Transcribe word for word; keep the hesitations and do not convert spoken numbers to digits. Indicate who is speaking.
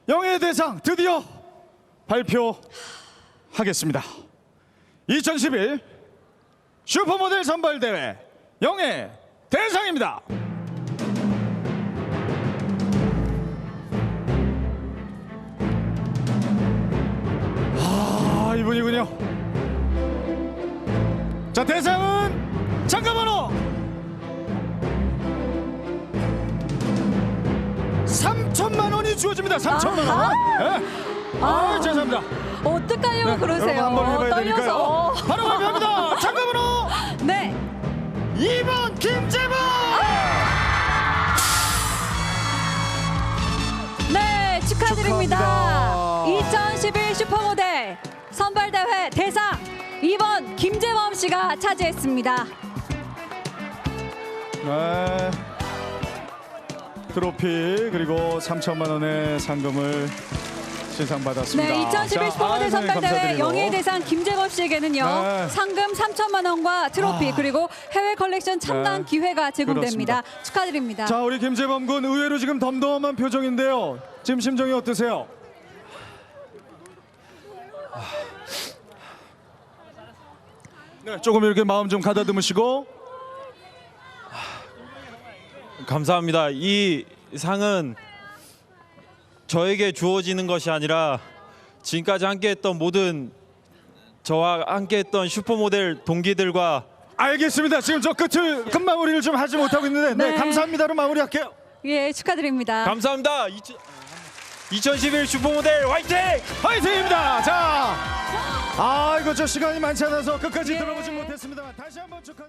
Speaker 1: 영예의 대상 드디어 발표하겠습니다. 이천십일 슈퍼모델 선발대회 영예 대상입니다. 아, 이분이군요. 자, 대상은 잠깐만요. 삼천만 원이 주어집니다. 삼천만 원. 네. 아, 죄송합니다.
Speaker 2: 어떡하려고
Speaker 1: 네,
Speaker 2: 그러세요?
Speaker 1: 여러분 한번 해봐야 되니까요.
Speaker 2: 떨려서.
Speaker 1: 바로 발표합니다. 잠깐만요.
Speaker 2: 네.
Speaker 1: 이 번 김재범.
Speaker 2: 네, 축하드립니다.
Speaker 1: 축하합니다.
Speaker 2: 이천십일 슈퍼모델 선발대회 대상 이 번 김재범 씨가 차지했습니다.
Speaker 1: 네. 트로피 그리고 삼천만 원의 상금을 시상받았습니다.
Speaker 2: 네, 이천십일
Speaker 1: 자,
Speaker 2: 슈퍼모델
Speaker 1: 아유,
Speaker 2: 선발대회
Speaker 1: 감사드리고.
Speaker 2: 영예의 대상 김재범 씨에게는요.
Speaker 1: 네.
Speaker 2: 상금 삼천만 원과 트로피
Speaker 1: 아.
Speaker 2: 그리고 해외 컬렉션 첨단
Speaker 1: 네.
Speaker 2: 기회가 제공됩니다.
Speaker 1: 그렇습니다.
Speaker 2: 축하드립니다.
Speaker 1: 자, 우리 김재범 군 의외로 지금 덤덤한 표정인데요. 지금 심정이 어떠세요? 네, 조금 이렇게 마음 좀 가다듬으시고.
Speaker 3: 감사합니다. 이 상은 저에게 주어지는 것이 아니라 지금까지 함께했던 모든 저와 함께했던 슈퍼모델 동기들과
Speaker 1: 알겠습니다. 지금 저 끝을 끝 마무리를 좀 하지 못하고 있는데, 네,
Speaker 2: 네.
Speaker 1: 감사합니다로 마무리할게요.
Speaker 2: 예, 축하드립니다.
Speaker 3: 감사합니다. 이천십일 슈퍼모델 화이팅!
Speaker 1: 화이팅입니다. 자, 아 이거 저 시간이 많지 않아서 끝까지
Speaker 2: 예.
Speaker 1: 들어보지 못했습니다. 다시 한번 축하.